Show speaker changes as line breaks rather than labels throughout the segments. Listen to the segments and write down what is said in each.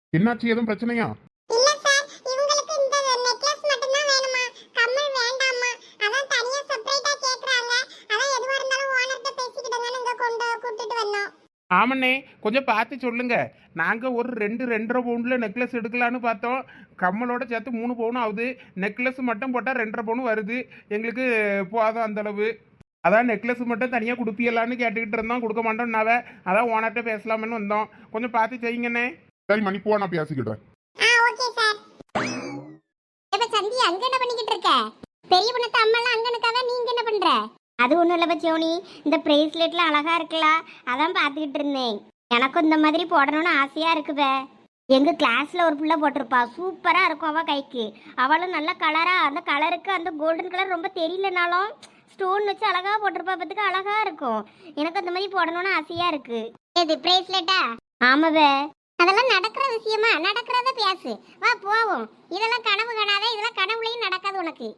என்னாச்சு? எதுவும் பிரச்சனையா?
இல்ல சார், இவங்களுக்கு இந்த நெக்லஸ் மட்டும் தான் வேணுமா? கம்மல் வேண்டாமா? அதான் தனியா செப்பரேட்டா கேக்குறாங்க. அதான் எதுவா இருந்தாலும் ஓனர்ட்ட பேசிக்கிடுங்கன்னு இங்க கொண்டு கூட்டிட்டு வந்தோம்.
ஆமண்ணே, கொஞ்சம் பார்த்து சொல்லுங்க. நாங்கள் ஒரு 2-2.5 பவுண்டில் நெக்லஸ் எடுக்கலான்னு பார்த்தோம். கம்மலோட சேர்த்து 3 பவுன் ஆகுது. நெக்லஸ் மட்டும் போட்டால் 2.5 பவுன் வருது. எங்களுக்கு போதும் அந்தளவு. அதான் நெக்லஸ் மட்டும் தனியாக கொடுப்பியலான்னு கேட்டுக்கிட்டு இருந்தோம். கொடுக்க மாட்டோம்னாவே அதான் ஓனர்கிட்ட பேசலாமேன்னு வந்தோம். கொஞ்சம் பார்த்து செய்யுங்கண்ணே. சரி மணி, போ, நான் பேசிக்கிட்டேன்.
Okay sir. இப்ப சந்தி அங்க என்ன பண்ணிக்கிட்டு இருக்க? பெரிய பொண்ணு அம்மாலாம் அங்க நிக்காத, நீங்க என்ன பண்ற? அது ஒண்ணும் இல்ல பச்சோனி, இந்த பிரேஸ்லெட்ல அழகா இருக்கலாம், அதான் பாத்துக்கிட்டு இருந்தேன். எனக்கும் இந்த மாதிரி போடணும்னு ஆசையா இருக்குவே. எங்க கிளாஸ்ல ஒரு பிள்ளை போட்டிருப்பா, சூப்பரா இருக்கும் அவ கைக்கு. அவளும் நல்ல கலரா, அந்த கலருக்கு அந்த கோல்டன் கலர் ரொம்ப தெரியலனாலும் ஸ்டோன் வச்சு அழகா போட்டிருப்பா, பத்துக்கு அழகா இருக்கும். எனக்கு அந்த மாதிரி போடணும்னு ஆசையா இருக்கு. எது பிரேஸ்லெட்டா? ஆமாவே. அதெல்லாம் நடக்கிற விஷயமா? நடக்கிறத பேசு, வா போவோம். இதெல்லாம் கனவு காணாத, இதெல்லாம் கனவுலையும் நடக்காது உனக்கு.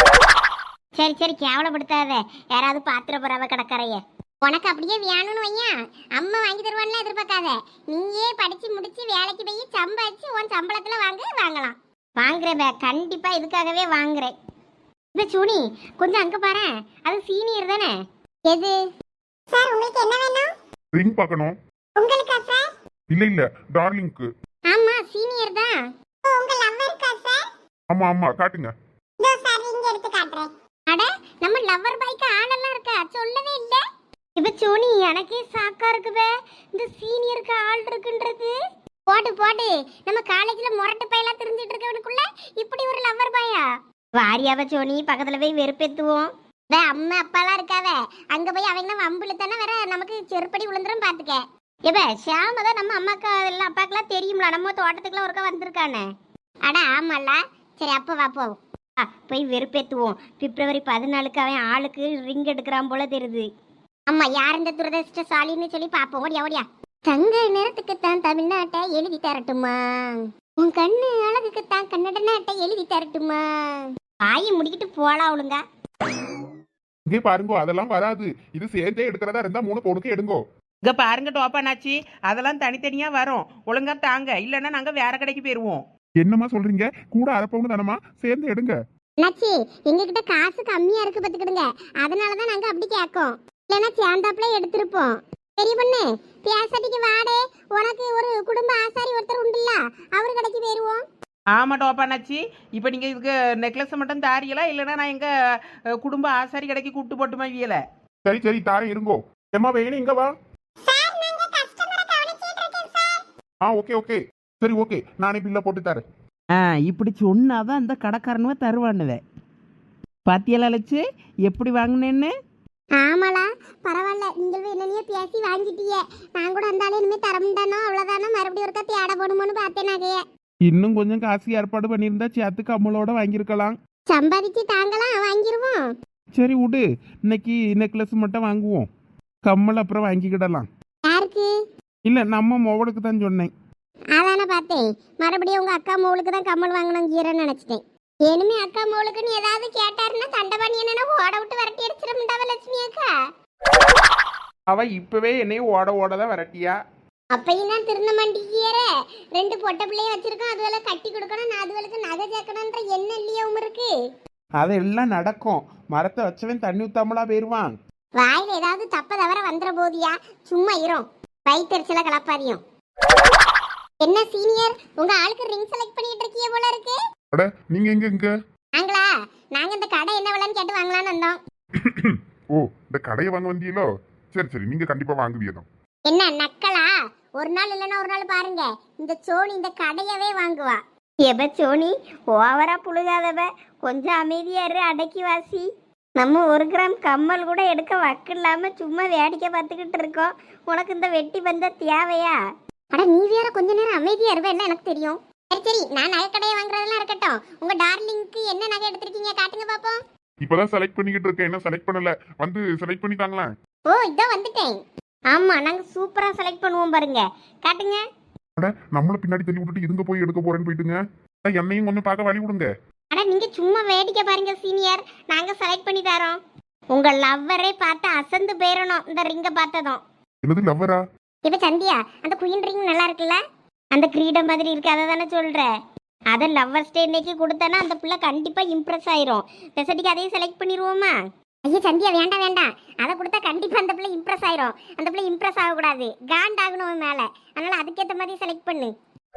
சரி சரி, கேவலப்படுத்தாத. யாராவது பாத்திர போறாவ கடற்கரைய. உனக்கு அப்படியே வேணும்னு வையா, அம்மா வாங்கி தருவான்லாம் எதிர்பார்க்காத. நீயே படிச்சு முடிச்சு வேலைக்கு போய் சம்பாதிச்சு உன் சம்பளத்துல வாங்கலாம். வாங்குறேன், கண்டிப்பா இதுக்காகவே வாங்குறேன். இப்ப சூனி கொஞ்சம் அங்க பாரு, அது சீனியர் தானே. எது சார், உங்களுக்கு என்ன வேணும்?
ரிங் பார்க்கணும்.
உங்களுக்கா சார்?
இல்ல டார்லிங்க்கு.
ஆமா, சீனியர் தான். உங்க லவ்வருக்கா சார்?
ஆமா ஆமா, காட்டுங்க.
இதோ சார், இங்க எடுத்து காட்டுறேன். அட, நம்ம லவ்வர் பைக்கு ஆளெல்லாம் இருக்கா, சொல்லவே இல்ல. இப்ப சோனி எனக்கே சாக்கா இருக்குவே, இந்த சீனியருக்கு ஆள் இருக்குன்றது. போடு போடு, நம்ம காலேஜ்ல முரட்டு பையெல்லாம் தெரிஞ்சிட்டு இருக்கவனுக்குள்ள இப்படி ஒரு லவ்வர் பாயா? வாரியாவ சோனி, பக்கத்துல போய் வெறுப்பேத்துவோம். அம்மா அப்பாலாம் இருக்காவ, அங்க போய் அவங்க வம்புல தானே வேற நமக்கு செருப்படி விழுந்துரும் பாத்துக்க. இப்ப ஷியாம தான் நம்ம அம்மாக்கா எல்லாம் அப்பாக்கெல்லாம் தெரியும்ல, நம்ம தோட்டத்துக்குலாம் ஒருக்கா வந்திருக்கானே. அட ஆமால, சரி அப்ப வா போவோம். போய் வெறுப்பேத்துவோம். பிப்ரவரி 14க்கு அவன் ஆளுக்கு ரிங் எடுக்கிறான் போல தெரியுது. அம்மா, யார் இந்த துரதிருஷ்டசாலின்னு சொல்லி பாப்போம். ஓடியா ஓடியா. தங்க நிறத்துக்குத்தான் தமிழ்நாட்டை எழுதி தரட்டுமா, உன் கண்ணு அழகுக்குத்தான் கன்னட நாட்டை எழுதி தரட்டுமா. வாயை முடிக்கிட்டு போலாம் ஒழுங்க.
இங்கே பாருங்கோ, அதெல்லாம் வராது. இது சேர்ந்தே எடுக்கிறதா இருந்தா 3 பவுனுக்கு எடுங்கோ.
இங்க பாருங்க டோப்பானாச்சி, அதெல்லாம் தனித்தனியா வரும். ஒழுங்கா தாங்க, இல்லைன்னா நாங்க வேற கடைக்கு போயிருவோம்.
என்னமா சொல்றீங்க? கூட 1/2 பவுன் தானமா, சேர்ந்து எடுங்க.
நச்சி, எங்ககிட்ட காசு கம்மியா இருக்கு பத்துக்கிடுங்க, அதனாலதான் நாங்க அப்படி கேட்கோம். இல்லைன்னா சேர்ந்தாப்புல எடுத்திருப்போம். பெரிய பொண்ணு பேசாட்டிக்கு வாடே, உனக்கு ஒரு குடும்ப ஆசாரி ஒருத்தர் உண்டுல்ல, அவர் கடைக்கு போயிருவோம்.
ஆமா டோப்பானாச்சி, இப்போ நீங்க இதுக்கு நெக்லஸ் மட்டும் தாரியலா, இல்லைன்னா நான் எங்க குடும்ப ஆசாரி கடைக்கு கூட்டு போட்டுமா வியல?
சரி சரி, தாரேன், இருங்கோ. ஏமா வேணும், இங்க வா. ஓகே ஓகே, சரி ஓகே, நானே பில்ல போட்டு தரேன்.
இப்படி சொன்னாதான் அந்த கடைக்காரனுவ தருவானுவ. பாத்தியெல்லாம் லட்சு எப்படி வாங்கினேன்னு.
ஆமாலா, பரவாயில்ல, நீங்கள் என்னையே பேசி வாங்கிட்டீங்க. நான் கூட அந்த ஆளு இனிமே தரமுண்டானோ அவ்வளவுதானோ, மறுபடியும் ஒருக்கா தேட போடுமோன்னு பார்த்தேன் நகைய.
இன்னும் கொஞ்சம் காசு ஏற்பாடு பண்ணியிருந்தா சேர்த்துக்கு அம்மளோட வாங்கியிருக்கலாம்.
சம்பாதிச்சு தாங்கலாம், வாங்கிருவோம்.
சரி விடு, இன்னைக்கு நெக்லஸ் மட்டும் வாங்குவோம். கம்மல் அப்புறம் வாங்கிக்கிடலாம்.
யாருக்கு?
இல்ல, நம்ம மோவலுக்கு தான் சொன்னேன்.
அதானே பார்த்தேன், மறுபடியும் உங்க அக்கா மோளுக்கு தான் கம்மல் வாங்கணுங்கிறேன்னு நினைச்சிட்டேன். இனிமே அக்கா மோளுக்குன்னு ஏதாவது கேட்டாருன்னா தண்டபாணி என்னன்னா ஓட விட்டு விரட்டி அடிச்சிடமுண்டாவ லட்சுமி அக்கா.
அவ இப்பவே என்னையும் ஓட ஓட தான் விரட்டியா.
அப்பையும் நான் திருந்த மாட்டேங்கிற, 2 பொட்டை பிள்ளைய வச்சிருக்கோம், அதுவெல்லாம் கட்டி கொடுக்கணும், நான் அதுவளுக்கு நகை சேர்க்கணுன்ற என்ன இல்லையாவும் இருக்கு.
அதெல்லாம் நடக்கும். மரத்தை வச்சவன் தண்ணி ஊத்தாமலா போயிருவான்.
வாயில ஏதாவது தப்ப தவிர வந்துட போதியா, சும்மா இரும். வயிற்றுல கலப்பாரியும். என்ன சீனியர், உங்க ஆளுக்கு ரிங் செலக்ட் பண்ணிட்டு இருக்கீங்க போல இருக்கு.
அட, நீங்க எங்க?
நாங்களா? நாங்க இந்த கடை என்ன விலைன்னு கேட்டு வாங்கலாம்னு வந்தோம்.
ஓ, இந்த கடையை வாங்க வந்தீங்களோ? சரி சரி, நீங்க கண்டிப்பா வாங்குவீங்க.
என்ன நக்கலா? ஒரு நாள் இல்லைன்னா ஒரு நாள் பாருங்க, இந்த சோனி இந்த கடையவே வாங்குவா. எப சோனி, ஓவரா புழுகாதவ, கொஞ்சம் அமைதியா இரு, அடக்கி வாசி. நம்ம 1 கிராம் கம்மல் கூட எடுக்க வக்கு இல்லாம சும்மா வேடிக்கை பார்த்துக்கிட்டு இருக்கோம். உனக்கு இந்த வெட்டி பந்த தேவையா? அட நீ வேற கொஞ்ச நேரம் அமைதியா இருவேன், எனக்கு தெரியும். சரி சரி, நான் நகை கடையை வாங்குறதெல்லாம் இருக்கட்டும். உங்க டார்லிங்க்கு என்ன நகை எடுத்திருக்கீங்க, காட்டுங்க பாப்போம்.
இப்பதான் செலக்ட் பண்ணிக்கிட்டு இருக்கேன், என்ன செலக்ட் பண்ணல, வந்து செலக்ட் பண்ணிட்டாங்களா?
ஓ, இதோ வந்துட்டேன். ஆமா, நாங்க சூப்பரா செலக்ட் பண்ணுவோம் பாருங்க, காட்டுங்க.
அட, நம்மள பின்னாடி தள்ளி விட்டுட்டு இதுங்க போய் எடுக்க போறேன்னு போயிட்டுங்க. என்னையும் கொஞ்சம் பார்க்க வழி விடுங்க.
அட நீங்க சும்மா வேடிக்கை பாருங்க சீனியர், நாங்க செலக்ட் பண்ணி தரோம். உங்க லவ்வரே பார்த்து அசந்து போயிடணும் இந்த ரிங்க பார்த்ததும்.
என்னது லவ்வரா?
இப்ப சந்தியா, அந்த குயின் ரிங் நல்லா இருக்குல்ல? அந்த கிரீடம் மாதிரி இருக்கு அதை தானே சொல்ற. அதை லவ்வர்ஸ் டே இன்னைக்கு கொடுத்தானா அந்த பிள்ளை கண்டிப்பா இம்ப்ரெஸ் ஆயிரும். பெசட்டிக்கு அதையும் செலக்ட் பண்ணிடுவோமா? ஐயா சந்தியா வேண்டாம் வேண்டாம், அதை கொடுத்தா கண்டிப்பா அந்த பிள்ளை இம்ப்ரெஸ் ஆயிரும். அந்த பிள்ளை இம்ப்ரெஸ் ஆகக்கூடாது, காண்ட் ஆகணும் அவன் மேல. அதனால அதுக்கேற்ற மாதிரி செலக்ட் பண்ணு.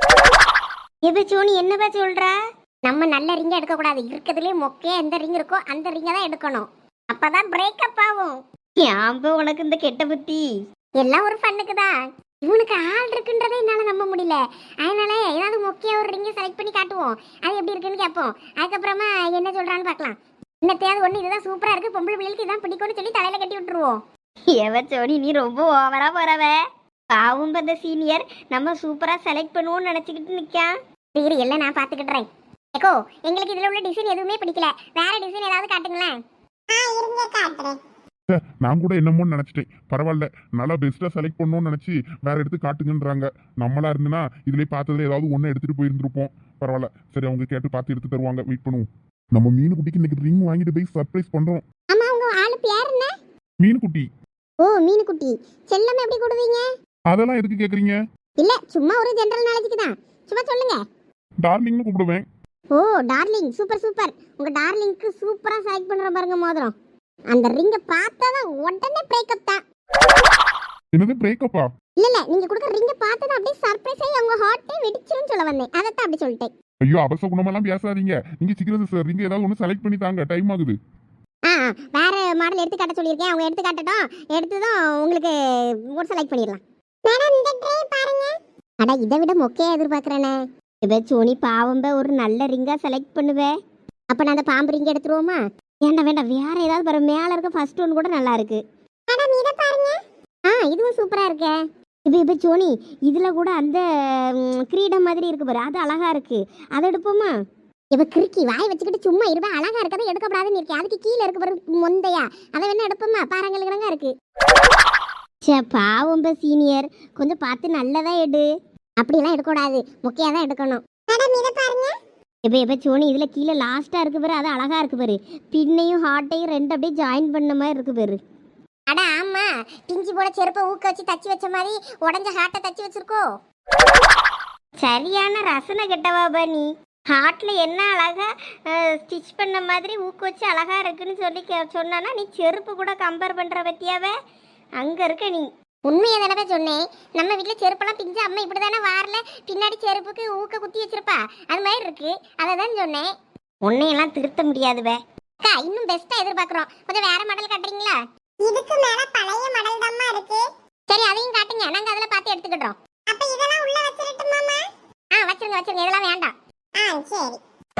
எப்ப சோனி என்னப்பா சொல்ற? நம்ம நல்ல ரிங்க எடுக்க கூடாது, இருக்கிறதுலயே மொக்கையா எந்த ரிங் இருக்கோ அந்த ரிங்க தான் எடுக்கணும். அப்பதான் பிரேக்கப் ஆகும். ஏன் உனக்கு இந்த கெட்ட புத்தி? எல்லாம் ஒரு ஃபன்னுக்கு தான். இவனுக்கு ஆள் இருக்குன்றதே என்னால நம்ப முடியல. அதனால ஏதாவது மொக்கையா ஒரு ரிங்க செலக்ட் பண்ணி காட்டுவோம், அது எப்படி இருக்குன்னு கேட்போம். அதுக்கப்புறமா என்ன சொல்றான்னு பார்க்கலாம். இன்னத்தையாவது ஒண்ணு இதுதான் சூப்பரா இருக்கு, பொம்பளை பிள்ளைகளுக்கு இதான் பிடிக்கும்னு சொல்லி தலையில கட்டி விட்டுருவோம். எவ சோனி நீ ரொம்ப ஓவரா போறவ. பாவும் அந்த சீனியர் நம்ம சூப்பரா செலக்ட் பண்ணுவோம்னு நினைச்சுக்கிட்டு நிக்கான். சரி எல்லாம் நான் பாத்துக்கிட்டுறேன். ஏக்கோ எங்களுக்கு இதுல உள்ள டிசைன் எதுவுமே பிடிக்கல, வேற டிசைன் ஏதாவது காட்டுங்களேன். இருங்க காட்டுறேன்.
நான் கூட என்னமோன்னு நினைச்சிட்டேன். பரவாயில்ல, நல்லா பெஸ்டா செலக்ட் பண்ணணும்னு நினைச்சு வேற எடுத்து காட்டுங்கன்றாங்க. நம்மளா இருந்துனா இதுலயே பார்த்ததுல ஏதாவது ஒண்ணு எடுத்துட்டு போயிருந்திருப்போம். பரவாயில்ல, சரி அவங்க கேட்டு பார்த்து எடுத்து தருவாங்க, வெயிட் பண்ணுவோம். நம்ம மீனுக்குட்டிக்கு இன்னைக்கு ரிங் வாங்கிட்டு போய் சர்ப்ரைஸ் பண்றோம்.
ஆமா உங்க ஆளு பேர் என்ன?
மீனுக்குட்டி.
ஓ மீனுக்குட்டி. செல்லம் எப்படி கூடுவீங்க?
அதெல்லாம் எதுக்கு கேக்குறீங்க?
இல்ல சும்மா ஒரு ஜெனரல் நாலேஜுக்கு தான், சும்மா சொல்லுங்க.
டார்லிங்னு கூப்பிடுவேன்.
ஓ டார்லிங், சூப்பர் சூப்பர். உங்க டார்லிங்க்கு சூப்பரா செலக்ட் பண்ற பாருங்க மோதிரம். அந்த ரிங்க பார்த்தாதான் உடனே பிரேக்கப் தான்.
என்னது பிரேக்கப்பா?
இல்ல நீங்க கொடுக்க ரிங்க பார்த்தா அப்படியே சர்ப்ரைஸ் ஆகி அவங்க ஹார்ட்டே வெடிச்சிரும் சொல்ல வந்தேன், அதைத்தான் அப்படி சொல்லிட்டேன்.
ஐயோ அபச குணமெல்லாம் பேசாதீங்க. நீங்க சீக்கிரம் ரிங் ஏதாவது ஒண்ணு செலக்ட் பண்ணி தாங்க, டைம் ஆகுது.
வேற மாடல் எடுத்து காட்ட சொல்லியிருக்கேன், அவங்க எடுத்து காட்டட்டும். எடுத்துதான் உங்களுக்கு ஒரு செலக்ட் பண்ணிடலாம். மேடம் இந்த ட்ரே பாருங்க. அட இதை விட மொக்கையா எதிர்பார்க்கறேனே. இப்ப சோனி பாவம்ப ஒரு நல்ல ரிங்கா செலக்ட் பண்ணுவே. அப்ப நான் அந்த பாம்பு ரிங் எடுத்துருவோமா? வேண்டாம் வேண்டாம், வேற ஏதாவது பாரு. மேல இருக்க ஃபர்ஸ்ட் ஒன் கூட நல்லா இருக்கு. மேடம் இத பாருங்க. இதுவும் சூப்பரா இருக்கே. இப்ப சோனி இதுல கூட அந்த கிரீடம் மாதிரி இருக்கு பாரு, அது அழகா இருக்கு, அதை எடுப்போமா? இப்ப கிறுக்கி வாய் வச்சுக்கிட்டு சும்மா இருப்பா. அழகா இருக்கதை எடுக்கப்படாதுன்னு இருக்கேன், அதுக்கு கீழே இருக்கு பாரு மொந்தையா, அதை வேணா எடுப்போமா? பாருங்க இருக்கு. சே பாவம் சீனியர், கொஞ்சம் பார்த்து நல்லதா எடு. அப்படியெல்லாம் எடுக்கக்கூடாது, முக்கியா தான் எடுக்கணும். மேடம் இதை பாருங்க. இப்ப சோனி இதுல கீழே லாஸ்டா இருக்கு பாரு, அது அழகா இருக்கு பாரு. பின்னையும் ஹார்ட்டையும் ரெண்டு அப்படியே ஜாயின் பண்ண மாதிரி இருக்கு பாரு. அட ஆமா, பிஞ்சி போட செருப்பை ஊக்க வச்சு தச்சு வச்ச மாதிரி உடஞ்ச ஹார்ட்டை தச்சு வச்சிருக்கோ. சரியான ரசனை கெட்டவா நீ. ஹார்ட்ல என்ன அழகா ஸ்டிச் பண்ண மாதிரி ஊக்க வச்சு அழகா இருக்குன்னு சொல்லி சொன்னானா, நீ செருப்பு கூட கம்பேர் பண்ற பத்தியாவே அங்க இருக்க நீ. உண்மையை தானே சொன்னேன். நம்ம வீட்டுல செருப்பெல்லாம் பிஞ்சு அம்மா இப்படிதானே வாரல பின்னாடி செருப்புக்கு ஊக்க குத்தி வச்சிருப்பா, அது மாதிரி இருக்கு, அதை தான் சொன்னேன். உன்னையெல்லாம் திருத்த முடியாதுவே. அக்கா இன்னும் பெஸ்டா எதிர்பார்க்கிறோம், கொஞ்சம் வேற மாடல் காட்டுறீங்களா? இதுக்கு மேல பழைய மாடல் தான்மா இருக்கு. சரி அதையும் காட்டுங்க, நாங்க அதுல பார்த்து எடுத்துக்கிட்டோம். அப்ப இதெல்லாம் உள்ள வச்சிரட்டுமாமா? வச்சிருங்க வச்சிருங்க, இதெல்லாம் வேண்டாம். சரி.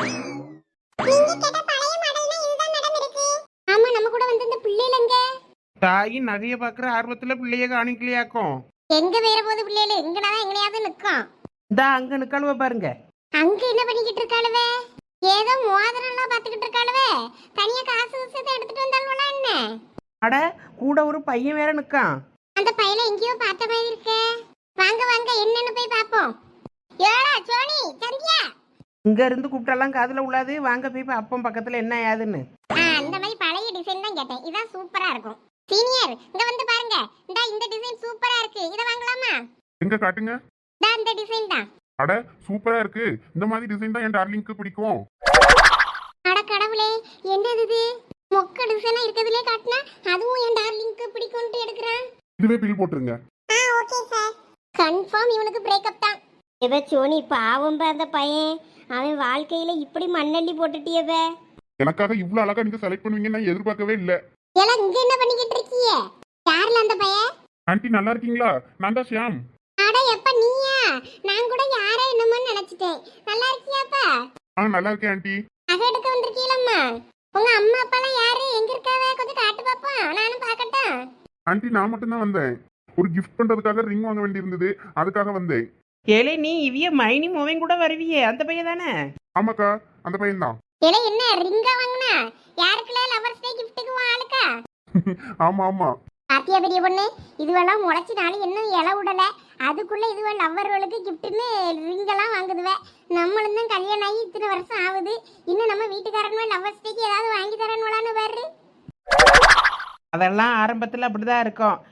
நீங்க கேட்ட பழைய மாடல்னா இதுதான் மேடம் இருக்கு. ஆமா நம்ம கூட வந்து இந்த பிள்ளைலங்க
தாயின் நகையை பார்க்குற ஆர்வத்தில் பிள்ளைய காணிக்கலையாக்கும்.
எங்க வேற போது பிள்ளைல எங்கனாதான் எங்கனையாவது நிக்கும்.
இந்த அங்க நிக்கழுவ பாருங்க.
அங்க என்ன பண்ணிக்கிட்டு இருக்காளுவே? ஏதோ மோதிரம் எல்லாம் பாத்துக்கிட்டு இருக்காளுவே. தனியா காசு விஷயத்தை எடுத்துட்டு வந்தாலும் என்ன?
அட கூட ஒரு பையன் வேற நிக்கான்.
அந்த பையல எங்கேயோ பார்த்த மாதிரி இருக்கே. வாங்க வாங்க என்னன்னு போய் பாப்போம். ஏடா சோனி சந்தியா,
இங்க இருந்து கூப்பிட்டெல்லாம் காதுல உள்ளாது, வாங்க போய் அப்பம் பக்கத்துல என்ன ஏதுன்னு.
அந்த மாதிரி பழைய டிசைன் தான் கேட்டேன், இதான் சூப்பரா இருக்கும். சீனியர் இங்க வந்து பாருங்க, இந்த டிசைன் சூப்பரா இருக்கு, இத வாங்கலாமா?
எங்க காட்டுங்க.
இந்த டிசைன் தான்.
அட சூப்பரா இருக்கு, இந்த மாதிரி டிசைன் தான் என் டார்லிங்க்கு பிடிக்கும்.
அட கடவுளே, என்னது இது? மொக்க டிசைனா இருக்கிறதுலே காட்டினா அதுவும் என் டார்லிங்க்கு பிடிக்கும்னு எடுக்கறான்.
இதுவே பில் போட்டுருங்க.
Okay sir. கன்ஃபார்ம் இவனுக்கு பிரேக்கப் தான். இவ சோனி பாவம் அந்த பையன், அவன் வாழ்க்கையில இப்படி மண்ணள்ளி போட்டுட்டியவ.
எனக்காக இவ்வளவு அழகா நீங்க செலக்ட் பண்ணுவீங்கன்னு நான் எதிர்பார்க்கவே இல்ல.
எல்லாம் இங்க என்ன பண்ணிக்கிட்டு இருக்கீங்க? யாருல அந்த பையன்?
ஆண்டி நல்லா இருக்கீங்களா? நான் தான் ஷியாம்.
அட எப்ப நீயா? நான் கூட யாரே என்னமோ நினைச்சிட்டேன். நல்லா இருக்கியாப்பா?
நல்லா இருக்கேன் ஆண்டி.
நகை எடுக்க வந்திருக்கீங்களம்மா? உங்க அம்மா அப்பாலாம் யாரு, எங்க இருக்காவ? கொஞ்சம் காட்டு பாப்போம், நானும் பார்க்கட்டும்.
ஆண்டி நான் மட்டும் தான் வந்தேன். ஒரு கிஃப்ட் பண்றதுக்காக ரிங் வாங்க வேண்டியிருந்தது, அதுக்காக வந்தேன்.
ஏலே நீ இவிய மைனி மோவன் கூட வருவியே, அந்த பையன் தானே?
ஆமாக்கா, அந்த பையன் தான்.
ஏலே என்ன ரிங்கா வாங்குனா? யாருக்குல லவர்ஸ் டே கிஃப்ட்டுக்கு வாளுக்கா?
ஆமா ஆமா.
பாத்தியா பெரிய பொண்ணு, இதுவெல்லாம் முளைச்சி நாள் இன்னும் இலை விடல, அதுக்குள்ள இதுவ லவ்வர்களுக்கு கிஃப்ட்னு ரிங்கெல்லாம் வாங்குதுவே. நம்மளும் தான் கல்யாணம் ஆகி இத்தனை வருஷம் ஆகுது, இன்னும் நம்ம வீட்டுக்காரனுமே லவ்வர்ஸ் டேக்கு ஏதாவது வாங்கி தரணும்லான்னு பாரு.
அதெல்லாம் ஆரம்பத்தில் அப்படிதான் இருக்கும்.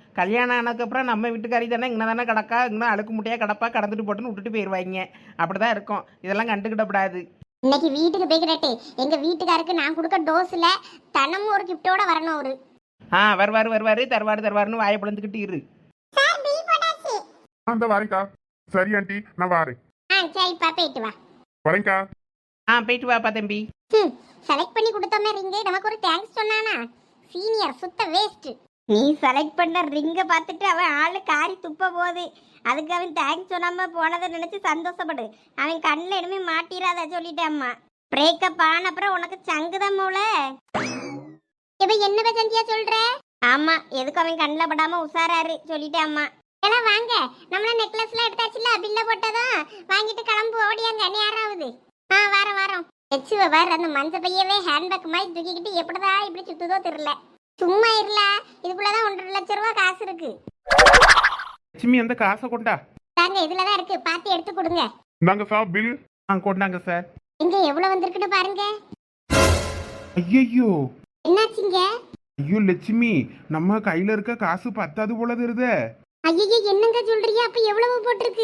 கல்யாணம் ஆனதுக்கப்புறம் நம்ம வீட்டுக்காரி தானே இங்கே தானே கிடக்கா இன்னும் அழுக்கு முட்டையாக கிடப்பா கடந்துட்டு போட்டுன்னு விட்டுட்டு போயிடுவாங்க. அப்படி தான் இருக்கும். இதெல்லாம் கண்டுக்கிடப்படாது.
இன்னைக்கு வீட்டுக்கு போய்கிடட்டு எங்க வீட்டுக்காருக்கு நான் கொடுக்க டோஸ்ல தனமும் ஒரு கிஃப்டோட வரணும் அவரு.
வருவாரு தருவாருன்னு வாயை பிளந்துக்கிட்டு இரு.
அந்த வாரேங்க்கா. சரி ஆண்டி, நான் வாரேன்.
சரிப்பா போயிட்டு வா.
வரேங்க்கா.
போயிட்டு வாப்பா தம்பி.
செலக்ட் பண்ணி கொடுத்தோமே ரிங்கு நமக்கு ஒரு தேங்க்ஸ் சொன்னானா? சீனியர் சுத்த வேஸ்ட். நீ செலக்ட் பண்ண ரிங்க பார்த்துட்டு அவன் ஆளு காரி துப்ப போகுது. அதுக்கு அவன் தேங்க்ஸ் சொன்னாம போனதை நினைச்சு சந்தோஷப்படு. அவன் கண்ணில் இனிமே மாட்டிராத சொல்லிட்டேன் அம்மா. பிரேக்கப் ஆன அப்புறம் உனக்கு சங்குதான் மூல. இப்ப என்ன சந்தியா சொல்ற? ஆமா, எதுக்கு அவன் கண்ணில் படாம உசாராரு சொல்லிட்டேன் அம்மா. எல்லாம் வாங்க, நம்மள நெக்லஸ்லாம் எடுத்தாச்சுல, பில்ல போட்டதும் வாங்கிட்டு கிளம்பு ஓடியாங்க. நீ யாராவது வாரம் எச்சுவ வேற அந்த மஞ்ச பையவே ஹேண்ட்பேக் மாதிரி தூக்கிக்கிட்டு எப்படிதான் இப்படி சுத்துதோ தெரியல. சும்மா இருல, இதுக்குள்ளதான் 1.5 லட்சம் ரூபாய் காசு இருக்கு.
லட்சுமி அந்த காசை கொண்டா.
தாங்க இதுலதான் இருக்கு, பார்த்து எடுத்து கொடுங்க.
இந்தாங்க சார் பில்.
கொண்டாங்க சார்.
இங்க எவ்வளவு வந்திருக்குன்னு பாருங்க.
ஐயோ
என்னாச்சுங்க?
ஐயோ லட்சுமி, நம்ம கையில இருக்க காசு பத்தாது போல தெரியுதே.
ஐயோ என்னங்க சொல்றீங்க? அப்ப எவ்வளவு போட்டிருக்கு?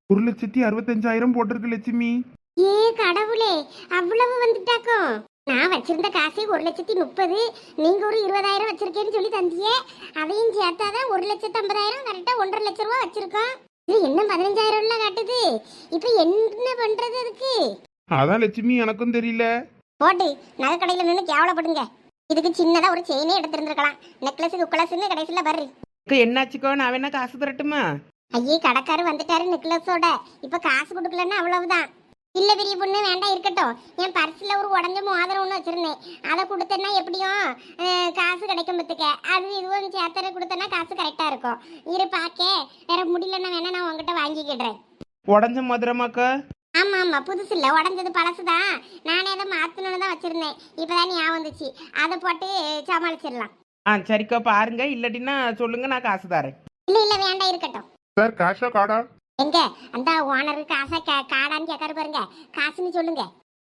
1,65,000 போட்டிருக்கு லட்சுமி.
ஏ கடவுளே, அவ்வளவு வந்துட்டாக்கும். நான் வச்சிருந்த காசே 1,30,000. நீங்க ஒரு 20,000 வச்சிருக்கேன்னு சொல்லி தந்தியே. அதையும் சேர்த்தாதான் 1,50,000. கரெக்டா 1.5 லட்சம் ரூபாய் வச்சிருக்கோம். இது என்ன 15,000 காட்டுது? இப்ப என்ன பண்றது அதுக்கு?
அதான் லட்சுமி எனக்கும் தெரியல.
போட்டு நகை கடையில நின்று கேவலப்படுங்க. இதுக்கு சின்னதா ஒரு செயினே எடுத்திருந்திருக்கலாம். நெக்லஸுக்கு குக்கலஸ்ன்னு கடைசியில பர்றி.
என்னாச்சுக்கோ, நான் வேணா காசு தரட்டுமா?
ஐயே கடைக்காரு வந்துட்டாரு நெக்லஸோட. இப்ப காசு கொடுக்கலன்னா அவ்வளவுதான். இல்ல பெரிய பொண்ணு வேண்டாம் இருக்கட்டும். என் பர்ஸ்ல ஒரு உடஞ்ச மோதிரம் ஒன்று வச்சிருந்தேன். அதை கொடுத்தேன்னா எப்படியும் காசு கிடைக்கும் பத்துக்க. அது இதுவும் சேர்த்தர கொடுத்தேன்னா காசு கரெக்டா இருக்கும். இரு பாக்க வேற முடியலன்னா வேணா நான் உங்ககிட்ட வாங்கிக்கிடுறேன்.
உடஞ்ச மதுரமாக்கா?
ஆமா புதுசு இல்ல, உடஞ்சது பழசுதான். நானே அதை மாத்தணும்னு தான் வச்சிருந்தேன். இப்பதான் ஞாபகம் வந்துச்சு. அதை போட்டு சமாளிச்சிடலாம்.
சரிக்கா பாருங்க, இல்லாட்டின்னா சொல்லுங்க, நான் காசு தரேன்.
இல்ல வேண்டாம் இருக்கட்டும்.
சார் காஷா கார்டா?
எங்க அந்த ஓனரு காசா காடான்னு கேட்காரு பாருங்க. காசுன்னு சொல்லுங்க.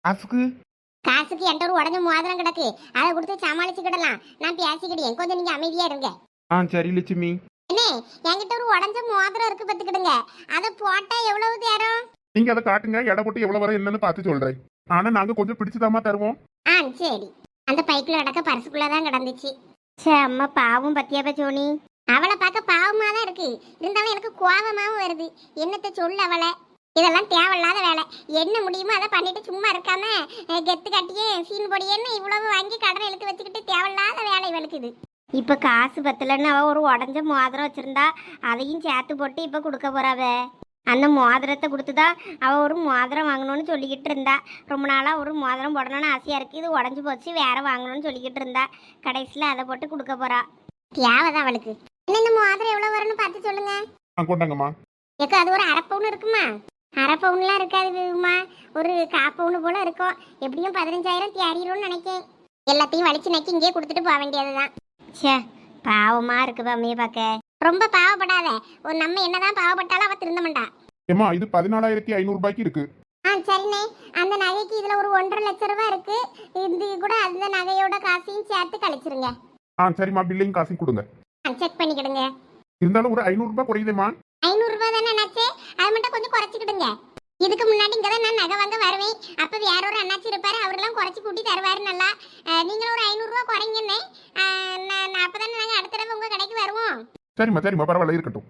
காசுக்கு என்கிட்ட ஒரு உடஞ்ச மோதிரம் கிடக்கு. அதை கொடுத்து சமாளிச்சுக்கிடலாம். நான் பேசிக்கிட்டேன், கொஞ்சம் நீங்க அமைதியா இருங்க.
சரி லட்சுமி.
என்ன என்கிட்ட ஒரு உடஞ்ச மோதிரம் இருக்கு பத்துக்கிடுங்க. அதை போட்டா எவ்வளவு தேரும்?
நீங்க அதை காட்டுங்க, எடை போட்டு எவ்வளவு வர என்னன்னு பார்த்து சொல்றேன். ஆனா நாங்க கொஞ்சம் பிடிச்சுதாமா தருவோம்.
சரி. அந்த பைக்குள்ள அடக்க பரிசுக்குள்ளதான் கிடந்துச்சு. சே அம்மா பாவம் பத்தியாப்ப சோனி. அவளை பார்க்க பாவமா தான் இருக்கு. இருந்தாலும் எனக்கு கோபமாவும் வருது. என்னத்தை சொல்ல அவளை? இதெல்லாம் தேவையில்லாத வேலை. என்ன முடியுமோ அதை பண்ணிட்டு சும்மா இருக்காம கெத்து கட்டியே சீன் பொடியேன்னு இவ்வளவு வாங்கி கடனை இழுத்து வச்சுக்கிட்டு தேவையில்லாத வேலை இவளுக்கு இது. இப்ப காசு பத்தலன்னு அவ ஒரு உடஞ்ச மோதிரம் வச்சிருந்தா, அதையும் சேர்த்து போட்டு இப்ப கொடுக்க போறாவ. அந்த மோதிரத்தை கொடுத்துதான் அவள் ஒரு மோதிரம் வாங்கணும்னு சொல்லிக்கிட்டு இருந்தா. ரொம்ப நாளாக ஒரு மோதிரம் போடணும்னு ஆசையாக இருக்குது. இது உடஞ்சி போச்சு, வேற வாங்கணும்னு சொல்லிக்கிட்டு இருந்தா. கடைசியில் அதை போட்டு கொடுக்க போறா. தேவைதான் அவளுக்கு. இந்த மோதிரம் எவ்வளோ வரும்னு பார்த்து சொல்லுங்க.
கொண்டாங்கம்மா.
ஏக்கா அது ஒரு 1/2 பவுன் இருக்குமா? 1/2 பவுன்லாம் இருக்காதுமா, ஒரு 1/4 பவுன் போல இருக்கும். எப்படியும் 15,000 தேறிடும்னு நினைக்கேன். எல்லாத்தையும் வலிச்சு நக்கி இங்கேயே கொடுத்துட்டு போக வேண்டியதுதான். சே பாவமா இருக்கு அம்மையை பார்க்க. ரொம்ப பாவப்படாத. ஒரு நம்ம என்னதான் பாவப்பட்டாலும் அவ திருந்த மாட்டா.
ஏமா இது 14,500 ரூபாய்க்கு இருக்கு.
சரிண்ணே, அந்த நகைக்கு இதுல ஒரு 1.5 லட்சம் ரூபாய் இருக்கு. இது கூட அந்த நகையோட காசையும் சேர்த்து கழிச்சிருங்க.
சரிம்மா, பில்லையும் காசையும் கொடுங்க.
செக் பண்ணிக்கிடுங்க.
இருந்தாலும் ஒரு 500 ரூபாய் குறையுதேம்மா.
500 ரூபாய் தானே அண்ணாச்சே, அது மட்டும் கொஞ்சம் குறைச்சிக்கிடுங்க. இதுக்கு முன்னாடி இங்கே தான் நான் நகை வாங்க வருவேன். அப்போ வேற ஒரு அண்ணாச்சி இருப்பாரு, அவரெல்லாம் குறைச்சி கூட்டி தருவாரு நல்லா. நீங்களும் ஒரு 500 ரூபாய் குறைங்கண்ணே. அப்பதானே நாங்கள் அடுத்த தடவை உங்க கடைக்கு வருவோம்.
சரிம்மா பரவாயில்ல இருக்கட்டும்.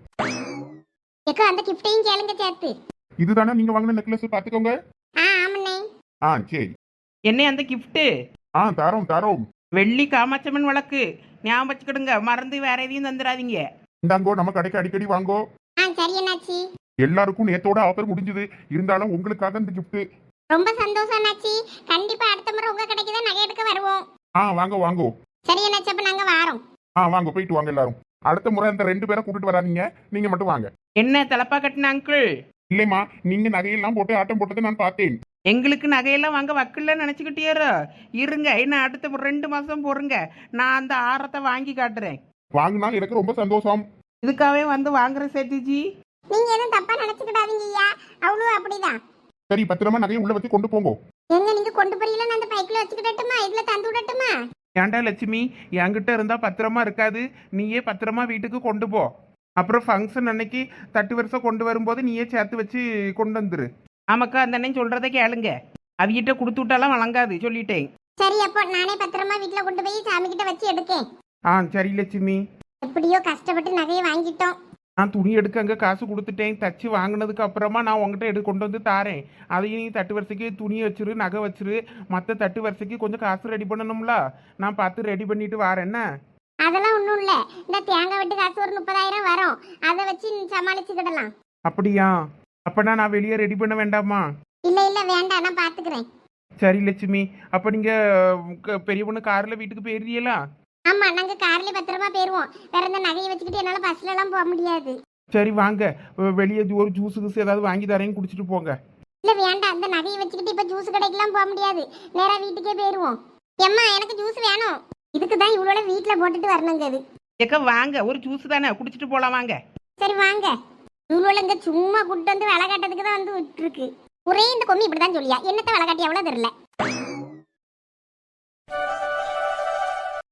ஏக்கா அந்த கிஃப்டையும் கேளுங்க சேர்த்து.
இதுதானே நீங்க வாங்கின நெக்லஸ், பாத்துக்கோங்க.
ஆமாண்ணே.
சரி.
என்ன அந்த கிஃப்ட்டு?
தரோம்.
வெள்ளி காமாட்சம்மன் வழக்கு ஞாபகம் வச்சுக்கிடுங்க, மறந்து வேற எதையும் தந்துடாதீங்க.
இந்தாங்கோ, நம்ம கடைக்கு அடிக்கடி வாங்கோ.
சரி அண்ணாச்சி.
எல்லாருக்கும் நேத்தோட ஆஃபர் முடிஞ்சது. இருந்தாலும் உங்களுக்காக இந்த கிஃப்ட்.
ரொம்ப சந்தோஷம் அண்ணாச்சி. கண்டிப்பா அடுத்த முறை உங்க கடைக்கு தான் நகை எடுக்க வருவோம்.
வாங்கோ.
சரி அண்ணாச்சி, அப்ப நாங்க வாரோம்.
வாங்க, போயிட்டு வாங்க எல்லாரும். அடுத்த முறை அந்த 2 பேரை கூட்டிட்டு வராதீங்க, நீங்க மட்டும் வாங்க.
என்ன தலப்பா கட்டின அங்கிள்?
இல்லைம்மா, நீங்க நகையெல்லாம் போட்டு ஆட்டம் போட்டதை நான் பார்த்தேன்.
எங்களுக்கு நகையெல்லாம் வாங்க வக்கல்ல நினைச்சுக்கிட்டேரோ. இருங்க, என்ன அடுத்த 2 மாசம் பொறுங்க, நான் அந்த ஆரத்தை வாங்கி காட்டுறேன்.
வாங்கினா எனக்கு ரொம்ப சந்தோஷம்.
இதுக்காகவே வந்து வாங்குற சேத்திஜி.
நீங்க எதுவும் தப்பா நினைச்சுக்கிடாதீங்க ஐயா, அவ்வளவு அப்படிதான்.
சரி, பத்திரமா நகையை உள்ள வச்சு கொண்டு போங்க.
எங்க நீங்க கொண்டு போறீங்களா? நான் அந்த பைக்ல வச்சுக்கிடட்டுமா? இதுல தந்து விடட்டுமா?
ஏன்டா லட்சுமி, என்கிட்ட இருந்தா பத்திரமா இருக்காது, நீயே பத்திரமா வீட்டுக்கு கொண்டு போ. அப்புறம் ஃபங்க்ஷன் அன்னைக்கு தட்டு வருஷம் கொண்டு வரும்போது நீயே சேர்த்து வச்சு கொண்டு வந்துரு.
ஆமாக்கா அந்த அண்ணன் சொல்கிறத கேளுங்க. அவிகிட்ட கொடுத்து விட்டாலாம் வழங்காது சொல்லிட்டேன்.
சரி அப்போ நானே பத்திரமா வீட்டுல கொண்டு போய் சாமி கிட்ட வச்சு எடுக்கேன்.
சரி லட்சுமி.
எப்படியோ கஷ்டப்பட்டு நகையை வாங்கிட்டோம்.
நான் துணி எடுக்க அங்கே காசு கொடுத்துட்டேன். தச்சு வாங்கினதுக்கு அப்புறமா நான் உங்ககிட்ட கொண்டு வந்து தாரேன். அதையும் நீ தட்டு வரிசைக்கு துணி வச்சிரு, நகை வச்சிரு. மற்ற தட்டு வரிசைக்கு கொஞ்சம் காசு ரெடி பண்ணணும்ல, நான் பார்த்து ரெடி பண்ணிட்டு வாரேன். என்ன
அதெல்லாம் ஒண்ணும் இல்ல, இந்த தேங்காய் வெட்டு காசு ஒரு 30,000 வரும், அதை வச்சு சமாளிச்சுக்கிடலாம்.
அப்படியா? அப்பனா நான் வெளியே ரெடி பண்ண வேண்டாமா?
இல்ல இல்ல வேண்டாம், நான் பாத்துக்கிறேன்.
சரி லட்சுமி. அப்போ நீங்க பெரிய பொண்ணு கார்ல வீட்டுக்கு போயிருந்தீங்களா?
ஆமா, நாங்க கார்ல பத்திரமா போயிருவோம். வேற இந்த நகையை வச்சுக்கிட்டு என்னால பஸ்ல எல்லாம் போக முடியாது.
சரி வாங்க, வெளியே ஒரு ஜூஸ் கீஸ் ஏதாவது வாங்கி தரேன்னு குடிச்சிட்டு போங்க.
இல்ல வேண்டாம், அந்த நகையை வச்சுக்கிட்டு இப்ப ஜூஸ் கடைக்கெல்லாம் போக முடியாது, நேரா வீட்டுக்கே போயிருவோம். எம்மா எனக்கு ஜூஸ் வேணும். இதுக்கு தான் இவ்வளோ வீட்டுல போட்டுட்டு வரணுங்கிறது.
ஏக்கா வாங்க, ஒரு ஜூஸ் தானே குடிச்சிட்டு போகலாம் வாங்க.
சரி வாங்க. இவ்வளோ இங்க சும்மா கூட்டு வந்து வேலை காட்டுறதுக்கு தான் வந்து விட்டுருக்கு. ஒரே இந்த கொம்மி இப்படிதான் சொல்லியா, என்னத்த வேலை காட்டி எவ்வளோ தெரியல.